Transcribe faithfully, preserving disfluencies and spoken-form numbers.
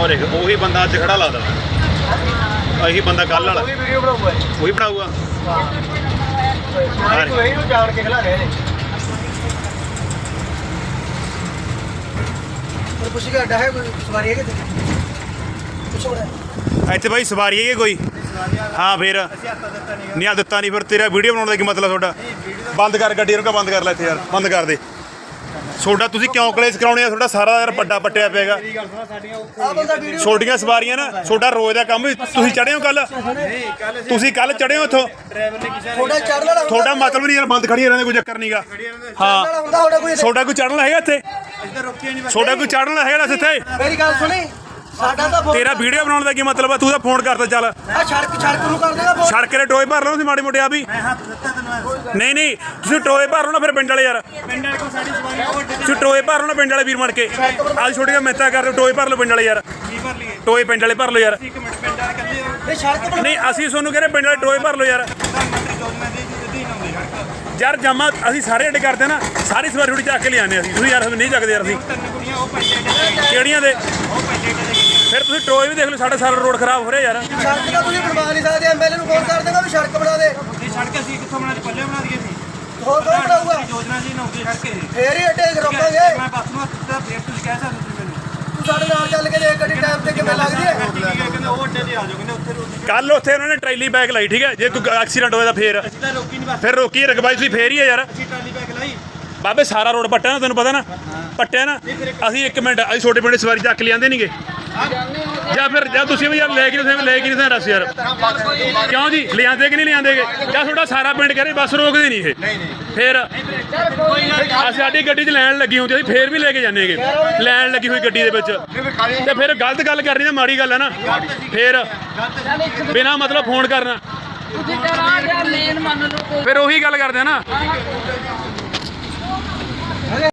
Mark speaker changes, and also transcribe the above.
Speaker 1: और देख ਉਹੀ ਬੰਦਾ ਅੱਜ ਖੜਾ ਲੱਗਦਾ ਇਹੀ ਬੰਦਾ ਕੱਲ ਵਾਲਾ ਉਹੀ ਵੀਡੀਓ ਬਣਾਊਗਾ ਉਹੀ ਬਣਾਊਗਾ ਸਾਰੇ ਕੋਈ ਇਹਨੂੰ ਜਾਣ ਕੇ ਖਲਾ ਰਹੇ ਨੇ ਪਰ ਪੁੱਛ ਕੇ ਅੱਡਾ ਹੈ ਕੋਈ ਸਵਾਰੀ ਹੈ ਕਿ ਪੁੱਛੋ ਬੜਾ ਇੱਥੇ ਭਾਈ ਸਵਾਰੀ ਹੈ ਕੋਈ ਹਾਂ ਫਿਰ ਨਹੀਂ ਆ ਦਿੱਤਾ ਨਹੀਂ ਫਿਰ ਤੇਰਾ ਵੀਡੀਓ ਬਣਾਉਣ ਦਾ ਕੀ ਮਤਲਬ ਤੁਹਾਡਾ ਬੰਦ ਕਰ ਗੱਡੀ ਰੁਕਾ ਬੰਦ ਕਰ ਲੈ ਇੱਥੇ ਯਾਰ ਬੰਦ ਕਰ ਦੇ ਛੋਟਾ ਤੁਸੀਂ ਕਿਉਂ ਕਲੇਸ਼ ਕਰਾਉਣੇ ਆ ਤੁਹਾਡਾ ਸਾਰਾ ਯਾਰ ਵੱਡਾ ਪੱਟਿਆ ਪਿਆਗਾ ਛੋਟੀਆਂ ਸਵਾਰੀਆਂ ਨਾ ਛੋਟਾ ਰੋਜ਼ ਦਾ ਕੰਮ ਤੁਸੀਂ ਚੜ੍ਹੇ ਹੋ ਕੱਲ ਤੁਸੀਂ ਕੱਲ ਚੜ੍ਹੇ ਹੋ ਇੱਥੋਂ ਤੁਹਾਡਾ ਮਤਲਬ ਨਹੀਂ ਯਾਰ ਬੰਦ ਖੜੀ ਰਹਿੰਦੇ ਕੋਈ ਚੱਕਰ ਨਹੀਂਗਾ ਹਾਂ ਛੋਟਾ ਕੋਈ ਚੜ੍ਹਨ ਹੈਗਾ ਇੱਥੇ ਛੋਟਾ ਕੋਈ ਚੜ੍ਹਨ ਹੈਗਾ ਇੱਥੇ
Speaker 2: ਮੇਰੀ ਗੱਲ ਸੁਣੀ ਸਾਡਾ ਤਾਂ
Speaker 1: ਤੇਰਾ ਵੀਡੀਓ ਬਣਾਉਣ ਦਾ ਕੀ ਮਤਲਬ ਆ ਤੂੰ ਤਾਂ ਫੋਨ ਕਰਦਾ ਚੱਲ
Speaker 2: ਆ ਸੜਕ ਸੜਕ ਨੂੰ ਕਰ ਦੇਗਾ ਫੋਨ
Speaker 1: ਸੜਕ ਦੇ ਟੋਏ ਭਰ ਲਓ ਤੁਸੀਂ ਮਾੜੇ ਮੋਟੇ ਆ ਵੀ ਨਹੀਂ ਨਹੀਂ ਤੁਸੀਂ ਟੋਏ ਭਰ ਲਓ ਨਾ ਫਿਰ ਪਿੰਡ ਵਾਲੇ ਯਾਰ ਪਿੰਡ ਵਾਲੇ ਕੋ ਸਾਡੀ ਸਵਾਰੀ ਤੁਸੀਂ ਟੋਏ ਭਰ ਲਓ ਨਾ ਪਿੰਡ ਵਾਲੇ ਵੀਰ ਮੜ ਕੇ ਅੱਜ ਛੋਟੀਆਂ ਮਿਹਨਤਾਂ ਕਰਦੇ ਟੋਏ ਭਰ ਲਓ ਪਿੰਡ ਵਾਲੇ ਯਾਰ ਕੀ ਭਰ ਲਈਏ ਟੋਏ ਪਿੰਡ ਵਾਲੇ ਭਰ ਲਓ ਯਾਰ ਇੱਕ ਮਿੰਟ ਪਿੰਡ ਵਾਲੇ ਕੱਲੇ ਨਹੀਂ ਸੜਕ ਨਹੀਂ ਅਸੀਂ ਤੁਹਾਨੂੰ ਕਹਿੰਦੇ ਪਿੰਡ ਵਾਲੇ ਟੋਏ ਭਰ ਲਓ ਯਾਰ ਯਾਰ ਜਮਾ ਅਸੀਂ ਸਾਰੇ ਅੱਡ ਕਰਦੇ ਨਾ ਸਾਰੀ ਸਵਾਰੀ ਥੋੜੀ ਚੱਕ ਕੇ ਲਿਆਉਂਦੇ ਅਸੀਂ ਤੁਸੀਂ ਯਾਰ ਨਹੀਂ ਚੱਕਦੇ ਯਾਰ ਅਸੀਂ ਕਿਹੜੀਆਂ ਦੇ ਫਿਰ ਤੁਸੀਂ ਟੋਏ ਵੀ ਦੇਖ ਲਓ ਸਾਡਾ ਸਾਰਾ ਰੋਡ ਖਰਾਬ ਹੋ ਰਿਹਾ ਯਾਰ
Speaker 2: ਸੜਕ ਤਾਂ ਤੁਸੀਂ ਬਣਵਾ ਨਹੀਂ ਸਕਦੇ ਐਮਐਲਏ ਨੂੰ ਫੋਨ ਕਰ ਦੇਗਾ ਵੀ ਸੜਕ ਬਣਾ ਦੇ
Speaker 3: ਇਹ ਸੜਕ ਅਸੀਂ ਕਿੱਥੋਂ ਬਣਾ ਦੇ ਪੱਲੇ ਬਣਾ ਦਈਏ ਸੀ
Speaker 2: ਹੋਰ ਕੌਣ ਬਣਾਊਗਾ
Speaker 3: ਯੋਜਨਾ ਜੀ ਨਾ ਹੁੰਦੀ ਸੜਕ ਇਹ
Speaker 2: ਫੇਰ ਹੀ ਅੱਡੇ ਰੋਕਾਂਗੇ
Speaker 3: ਮੈਂ ਬੱਸ ਨੂੰ ਹੱਥ ਫੇਰ ਤੁਸੀਂ ਕਹਿ ਸਕਦੇ ਤੁਸੀਂ ਮੈਨੂੰ
Speaker 2: ਤੂੰ ਸਾਡੇ ਨਾਲ ਚੱਲ ਕੇ ਦੇਖ ਗੱਡੀ ਟਾਈਮ ਤੇ ਕਿਵੇਂ ਲੱਗਦੀ ਹੈ
Speaker 3: ਕਹਿੰਦੇ ਉਹ ਅੱਡੇ ਤੇ ਆ ਜਾਓ ਕਹਿੰਦੇ ਉੱਥੇ
Speaker 1: ਕੱਲ ਉੱਥੇ ਉਹਨਾਂ ਨੇ ਟਰੈਲੀ ਬੈਗ ਲਾਈ ਠੀਕ ਹੈ ਜੇ ਕੋਈ ਐਕਸੀਡੈਂਟ ਹੋਇਆ ਤਾਂ ਫੇਰ
Speaker 3: ਅਸੀਂ ਤਾਂ ਰੋਕੀ ਨਹੀਂ ਬੱਸ
Speaker 1: ਫਿਰ ਰੋਕੀ ਰਕਬਾਈ ਤੁਸੀਂ ਫੇਰ ਹੀ ਆ ਯਾਰ
Speaker 3: ਅਸੀਂ ਟਰਾਲੀ ਬੈਗ ਲਾਈ
Speaker 1: ਬਾਬੇ ਸਾਰਾ ਰੋਡ ਪੱਟਿਆ ਨਾ ਤੈਨੂੰ ਪਤਾ ਨਾ ਪੱਟਿਆ ਨਾ ਅਸੀਂ ਇੱਕ ਮਿੰਟ ਅਸੀਂ ਛੋਟੇ ਪਿੰਡ ਸਵਾਰੀ ਚੱਕ ਲਿਆਂਦੇ ਨਹੀਂਗੇ ਜਾਂ ਫਿਰ ਜਾਂ ਤੁਸੀਂ ਵੀ ਯਾਰ ਲੈ ਕੇ ਤੁਸੀਂ ਲੈ ਕੇ ਨਹੀਂ ਦੱਸ ਯਾਰ ਕਿਉਂ ਜੀ ਲਿਆਂਦੇ ਕਿ ਨਹੀਂ ਲਿਆਂਦੇਗੇ ਜਾਂ ਤੁਹਾਡਾ ਸਾਰਾ ਪਿੰਡ ਕਰੇ ਬੱਸ ਰੋਕਦੇ ਨਹੀਂ ਇਹ ਫਿਰ ਅਸੀਂ ਸਾਡੀ ਗੱਡੀ 'ਚ ਲੈਣ ਲੱਗੀ ਹੁੰਦੀ ਅਸੀਂ ਫੇਰ ਵੀ ਲੈ ਕੇ ਜਾਂਦੇਗੇ ਲੈਣ ਲੱਗੀ ਹੋਈ ਗੱਡੀ ਦੇ ਵਿੱਚ ਤੇ ਫਿਰ ਗਲਤ ਗੱਲ ਕਰਨੀ ਤਾਂ ਮਾੜੀ ਗੱਲ ਹੈ ਨਾ ਫਿਰ ਬਿਨਾਂ ਮਤਲਬ ਫੋਨ ਕਰਨਾ ਫਿਰ ਉਹੀ ਗੱਲ ਕਰਦੇ ਆ ਨਾ